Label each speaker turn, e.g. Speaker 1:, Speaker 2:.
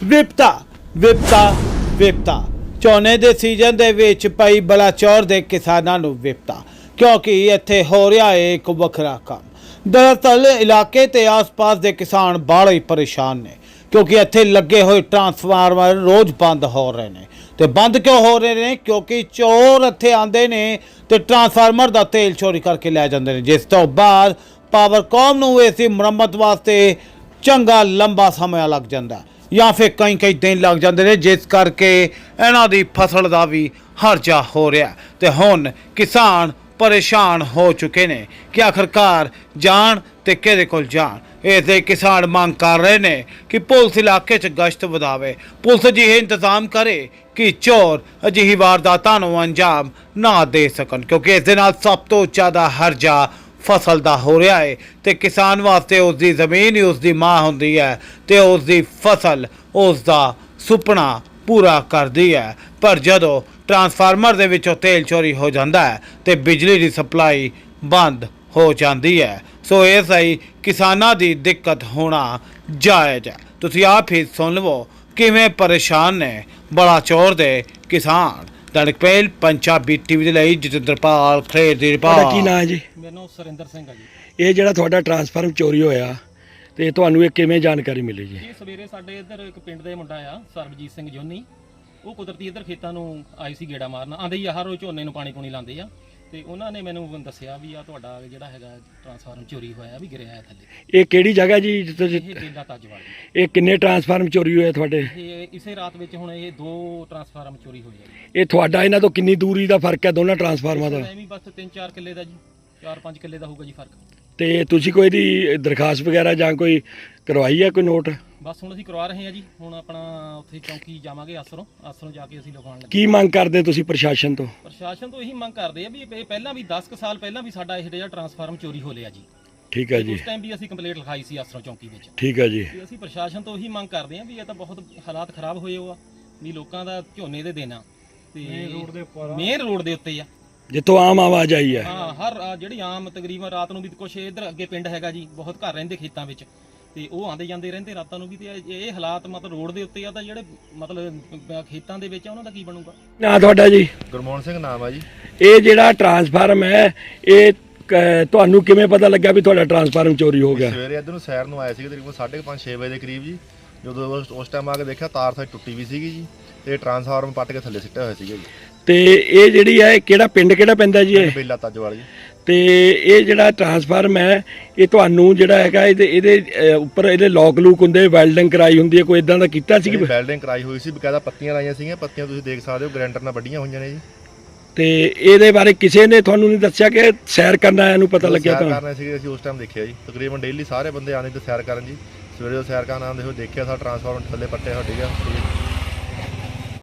Speaker 1: ਵਿਪਤਾ ਵਿਪਤਾ ਵਿਪਤਾ ਝੋਨੇ ਦੇ ਸੀਜ਼ਨ ਦੇ ਵਿੱਚ ਪਈ ਬਲਾਚੌਰ ਦੇ ਕਿਸਾਨਾਂ ਨੂੰ ਵਿਪਤਾ ਕਿਉਂਕਿ ਇੱਥੇ ਹੋ ਰਿਹਾ ਹੈ ਇੱਕ ਵੱਖਰਾ ਕੰਮ। ਦਰਅਸਲ ਇਲਾਕੇ ਤੇ ਆਸ-ਪਾਸ ਦੇ ਕਿਸਾਨ ਬਾਹਲੇ ਹੀ ਪਰੇਸ਼ਾਨ ਨੇ ਕਿਉਂਕਿ ਇੱਥੇ ਲੱਗੇ ਹੋਏ ਟਰਾਂਸਫਾਰਮਰ ਰੋਜ਼ ਬੰਦ ਹੋ ਰਹੇ ਨੇ। ਤੇ ਬੰਦ ਕਿਉਂ ਹੋ ਰਹੇ ਨੇ? ਕਿਉਂਕਿ ਚੋਰ ਇੱਥੇ ਆਉਂਦੇ ਨੇ ਤੇ ਟਰਾਂਸਫਾਰਮਰ ਦਾ ਤੇਲ ਚੋਰੀ ਕਰਕੇ ਲੈ ਜਾਂਦੇ ਨੇ, ਜਿਸ ਤੋਂ ਬਾਅਦ ਪਾਵਰਕਾਮ ਨੂੰ ਇਸ ਦੀ ਮੁਰੰਮਤ ਵਾਸਤੇ ਚੰਗਾ ਲੰਬਾ ਸਮਾਂ ਲੱਗ ਜਾਂਦਾ ਜਾਂ ਫਿਰ ਕਈ ਦਿਨ ਲੱਗ ਜਾਂਦੇ ਨੇ, ਜਿਸ ਕਰਕੇ ਇਹਨਾਂ ਦੀ ਫਸਲ ਦਾ ਵੀ ਹਰਜਾ ਹੋ ਰਿਹਾ। ਤੇ ਹੁਣ ਕਿਸਾਨ ਪਰੇਸ਼ਾਨ ਹੋ ਚੁੱਕੇ ਨੇ ਕਿ ਆਖਰਕਾਰ ਜਾਣ ਤੇ ਕਿਹਦੇ ਕੋਲ ਜਾਣ। ਇਸ ਦੇ ਕਿਸਾਨ ਮੰਗ ਕਰ ਰਹੇ ਨੇ ਕਿ ਪੁਲਿਸ ਇਲਾਕੇ 'ਚ ਗਸ਼ਤ ਵਧਾਵੇ, ਪੁਲਿਸ ਅਜਿਹੇ ਇੰਤਜ਼ਾਮ ਕਰੇ ਕਿ ਚੋਰ ਅਜਿਹੀ ਵਾਰਦਾਤਾਂ ਨੂੰ ਅੰਜਾਮ ਨਾ ਦੇ ਸਕਣ, ਕਿਉਂਕਿ ਇਸ ਦੇ ਨਾਲ ਸਭ ਤੋਂ ਜ਼ਿਆਦਾ ਹਰਜਾ ਫਸਲ ਦਾ ਹੋ ਰਿਹਾ ਹੈ। ਤੇ ਕਿਸਾਨ ਵਾਸਤੇ ਉਸ ਦੀ ਜ਼ਮੀਨ ਹੀ ਉਸ ਦੀ ਮਾਂ ਹੁੰਦੀ ਹੈ ਤੇ ਉਸ ਦੀ ਫਸਲ ਉਸ ਦਾ ਸੁਪਨਾ ਪੂਰਾ ਕਰਦੀ ਹੈ। ਪਰ ਜਦੋਂ ਟਰਾਂਸਫਾਰਮਰ ਦੇ ਵਿੱਚੋਂ ਤੇਲ ਚੋਰੀ ਹੋ ਜਾਂਦਾ ਹੈ ਤੇ ਬਿਜਲੀ ਦੀ ਸਪਲਾਈ ਬੰਦ ਹੋ ਜਾਂਦੀ ਹੈ, ਸੋ ਇਸ ਲਈ ਕਿਸਾਨਾਂ ਦੀ ਦਿੱਕਤ ਹੋਣਾ ਜਾਇਜ਼ ਹੈ। ਤੁਸੀਂ ਆਪ ਹੀ ਸੁਣ ਲਵੋ ਕਿਵੇਂ ਪਰੇਸ਼ਾਨ ਨੇ ਬਲਾਚੌਰ ਦੇ ਕਿਸਾਨ। ਦੈਨਿਕ ਪਹਿਲ ਪੰਜਾਬੀ ਟੀਵੀ ਦੇ ਲਈ ਜਤਿੰਦਰਪਾਲ ਖੇਰ ਦੀ ਰਿਪੋਰਟ।
Speaker 2: ਤੁਹਾਡਾ ਕੀ ਨਾਮ ਹੈ ਜੀ?
Speaker 3: ਮੇਰਾ ਨਾਮ ਸੁਰਿੰਦਰ ਸਿੰਘ ਆ ਜੀ।
Speaker 2: ਇਹ ਜਿਹੜਾ ਤੁਹਾਡਾ ਟਰਾਂਸਫਾਰਮ ਚੋਰੀ ਹੋਇਆ ਤੇ ਤੁਹਾਨੂੰ ਇਹ ਕਿਵੇਂ ਜਾਣਕਾਰੀ ਮਿਲੀ ਜੀ?
Speaker 3: ਇਹ ਸਵੇਰੇ ਸਾਡੇ ਇੱਧਰ ਇੱਕ ਪਿੰਡ ਦੇ ਮੁੰਡਾ ਆ ਸਰਬਜੀਤ ਸਿੰਘ ਜੋਨੀ, ਉਹ ਕੁਦਰਤੀ ਇੱਧਰ ਖੇਤਾਂ ਨੂੰ ਆਏ ਸੀ ਗੇੜਾ ਮਾਰਨ। ਆਂਦੇ ਹੀ ਹਰ ਰੋਜ਼ ਝੋਨੇ ਨੂੰ ਪਾਣੀ ਪੂਣੀ ਲਾਉਂਦੇ ਆ ਤੇ ਉਹਨਾਂ ਨੇ ਮੈਨੂੰ ਦੱਸਿਆ ਵੀ ਆ ਤੁਹਾਡਾ ਜਿਹੜਾ ਹੈਗਾ ਟਰਾਂਸਫਾਰਮ ਚੋਰੀ ਹੋਇਆ ਵੀ ਗਿਰਿਆ ਹੈ ਥੱਲੇ।
Speaker 2: ਇਹ ਕਿਹੜੀ ਜਗ੍ਹਾ ਜੀ ਜਿੱਥੇ
Speaker 3: ਇਹ ਬੇਲਾ ਤਾਜਵਾਲ।
Speaker 2: ਇਹ ਕਿੰਨੇ ਟਰਾਂਸਫਾਰਮ ਚੋਰੀ ਹੋਏ ਤੁਹਾਡੇ?
Speaker 3: ਇਹ ਇਸੇ ਰਾਤ ਵਿੱਚ ਹੁਣ ਇਹ 2 ਟਰਾਂਸਫਾਰਮ ਚੋਰੀ ਹੋਏ ਆ।
Speaker 2: ਇਹ ਤੁਹਾਡਾ ਇਹਨਾਂ ਤੋਂ ਕਿੰਨੀ ਦੂਰੀ ਦਾ ਫਰਕ ਹੈ ਦੋਨਾਂ ਟਰਾਂਸਫਾਰਮਾਂ ਦਾ?
Speaker 3: ਐਵੇਂ ਬਸ 3-4 ਕਿੱਲੇ ਦਾ ਜੀ, 4-5 ਕਿੱਲੇ ਦਾ ਹੋਊਗਾ ਜੀ ਫਰਕ।
Speaker 2: ਤੇ ਤੁਸੀਂ ਕੋਈ ਦੀ ਦਰਖਾਸਤ ਵਗੈਰਾ ਜਾਂ ਕੋਈ ਕਰਵਾਈ ਹੈ, ਕੋਈ ਨੋਟ?
Speaker 3: ਬਸ ਹੁਣ ਅਸੀਂ ਕਰਵਾ ਰਹੇ ਹਾਂ ਜੀ। ਹੁਣ ਆਪਣਾ ਉੱਥੇ ਚੌਂਕੀ ਜਾਵਾਂਗੇ, ਆਸਰੋਂ ਜਾ ਕੇ ਅਸੀਂ ਲਿਖਵਾਉਣ ਲੱਗੇ।
Speaker 2: ਕੀ ਮੰਗ ਕਰਦੇ ਤੁਸੀਂ ਪ੍ਰਸ਼ਾਸਨ ਤੋਂ?
Speaker 3: ਪ੍ਰਸ਼ਾਸਨ ਤੋਂ ਇਹੀ ਮੰਗ ਕਰਦੇ ਆ ਵੀ ਇਹ ਪਹਿਲਾਂ ਵੀ 10 ਕੁ ਸਾਲ ਪਹਿਲਾਂ ਵੀ ਸਾਡਾ ਇਹ ਜਿਹੜਾ ਟਰਾਂਸਫਾਰਮ ਚੋਰੀ ਹੋ ਲਿਆ ਜੀ।
Speaker 2: ਠੀਕ ਹੈ ਜੀ,
Speaker 3: ਉਸ ਟਾਈਮ ਵੀ ਅਸੀਂ ਕੰਪਲੇਂਟ ਲਿਖਾਈ ਸੀ ਆਸਰੋਂ ਚੌਂਕੀ ਵਿੱਚ।
Speaker 2: ਠੀਕ ਹੈ ਜੀ।
Speaker 3: ਤੇ ਅਸੀਂ ਪ੍ਰਸ਼ਾਸਨ ਤੋਂ ਇਹੀ ਮੰਗ ਕਰਦੇ ਆ ਵੀ ਇਹ ਤਾਂ ਬਹੁਤ ਹਾਲਾਤ ਖਰਾਬ ਹੋਏ ਹੋ ਆ ਵੀ ਲੋਕਾਂ ਦਾ ਝੋਨੇ ਦੇ ਦੇਣਾ ਤੇ ਮੇਨ ਰੋਡ ਦੇ ਉੱਤੇ ਆ,
Speaker 2: ਜਿੱਥੋਂ ਆਮ ਆਵਾਜ਼ ਆਈ ਹੈ।
Speaker 3: ਹਾਂ, ਹਰ ਜਿਹੜੀ ਆਮ ਤਕਰੀਬਨ ਰਾਤ ਨੂੰ ਵੀ ਕੁਛ ਇੱਧਰ ਅੱਗੇ ਪਿੰਡ ਹੈਗਾ ਜੀ, ਬਹੁਤ ਘਰ ਰਹਿੰਦੇ ਖੇਤਾਂ ਵਿੱਚ ਤੇ ਉਹ ਆਂਦੇ ਜਾਂਦੇ ਰਹਿੰਦੇ ਰਾਤਾਂ ਨੂੰ ਵੀ। ਤੇ ਇਹ ਹਾਲਾਤ ਮਤਲਬ ਰੋਡ ਦੇ ਉੱਤੇ ਆ ਤਾਂ ਜਿਹੜੇ ਮਤਲਬ ਖੇਤਾਂ ਦੇ ਵਿੱਚ ਆ ਉਹਨਾਂ ਦਾ ਕੀ ਬਣੂਗਾ?
Speaker 2: ਨਾ ਤੁਹਾਡਾ ਜੀ?
Speaker 4: ਗੁਰਮੋਹਨ ਸਿੰਘ ਨਾਮ ਆ ਜੀ।
Speaker 2: ਇਹ ਜਿਹੜਾ ਟਰਾਂਸਫਾਰਮ ਹੈ ਇਹ ਤੁਹਾਨੂੰ ਕਿਵੇਂ ਪਤਾ ਲੱਗਿਆ ਵੀ ਤੁਹਾਡਾ ਟਰਾਂਸਫਾਰਮ ਚੋਰੀ ਹੋ ਗਿਆ?
Speaker 4: ਸਵੇਰੇ ਇੱਧਰ ਨੂੰ ਸੈਰ ਨੂੰ ਆਏ ਸੀਗੇ ਤਕਰੀਬਨ 5:30-6 ਵਜੇ ਦੇ ਕਰੀਬ ਜੀ। ਜਦੋਂ ਉਸ ਟਾਈਮ ਆ ਕੇ ਦੇਖਿਆ ਤਾਰ ਸਾਡੀ ਟੁੱਟੀ ਵੀ ਸੀਗੀ ਜੀ ਤੇ ਟਰਾਂਸਫਾਰਮ ਪੱਟ ਕੇ ਥੱਲੇ ਸਿੱਟਿਆ ਹੋਇਆ ਸੀਗਾ ਜੀ।
Speaker 2: ਤੇ ਇਹ ਜਿਹੜੀ ਹੈ ਕਿਹੜਾ ਪਿੰਡ ਕਿਹੜਾ ਪੈਂਦਾ ਜੀ ਇਹ?
Speaker 4: ਬੇਲਾ ਤਾਜਵਾਲ ਜੀ।
Speaker 2: ਤੇ ਇਹ ਜਿਹੜਾ ਟਰਾਂਸਫਾਰਮ ਹੈ ਇਹ ਤੁਹਾਨੂੰ ਜਿਹੜਾ ਹੈਗਾ ਇਹਦੇ ਉੱਪਰ ਇਹਦੇ ਲੋਕ ਲੂਕ ਹੁੰਦੇ, ਵੈਲਡਿੰਗ ਕਰਾਈ ਹੁੰਦੀ ਹੈ, ਕੋਈ ਇਦਾਂ ਦਾ ਕੀਤਾ ਸੀ?
Speaker 4: ਵੈਲਡਿੰਗ ਕਰਾਈ ਹੋਈ ਸੀ, ਬਕਾਇਦਾ ਪੱਤੀਆਂ ਲਾਈਆਂ ਸੀਗੀਆਂ। ਪੱਤੀਆਂ ਤੁਸੀਂ ਦੇਖ ਸਕਦੇ ਹੋ ਗ੍ਰੈਂਡਰ ਨਾਲ ਵੱਡੀਆਂ ਹੋਈਆਂ ਨੇ ਜੀ।
Speaker 2: ਤੇ ਇਹਦੇ ਬਾਰੇ ਕਿਸੇ ਨੇ ਤੁਹਾਨੂੰ ਨਹੀਂ ਦੱਸਿਆ ਕਿ ਸੈਰ ਕਰਨ ਆਇਆ ਨੂੰ ਪਤਾ ਲੱਗਿਆ?
Speaker 4: ਸੈਰ ਕਰਨਾ ਸੀ ਅਸੀਂ ਉਸ ਟਾਈਮ ਦੇਖਿਆ ਜੀ। ਤਕਰੀਬਨ ਡੇਲੀ ਸਾਰੇ ਬੰਦੇ ਆਉਂਦੇ ਤੇ ਸੈਰ ਕਰਨ ਜੀ। ਸਵੇਰੇ ਸੈਰ ਕਰਨ ਆਉਂਦੇ ਹੋਏ ਦੇਖਿਆ ਸਾਡਾ ਟਰਾਂਸਫਾਰਮਰ ਥੱਲੇ ਪੱਟਿਆ ਹੋਇਆ ਸੀਗਾ।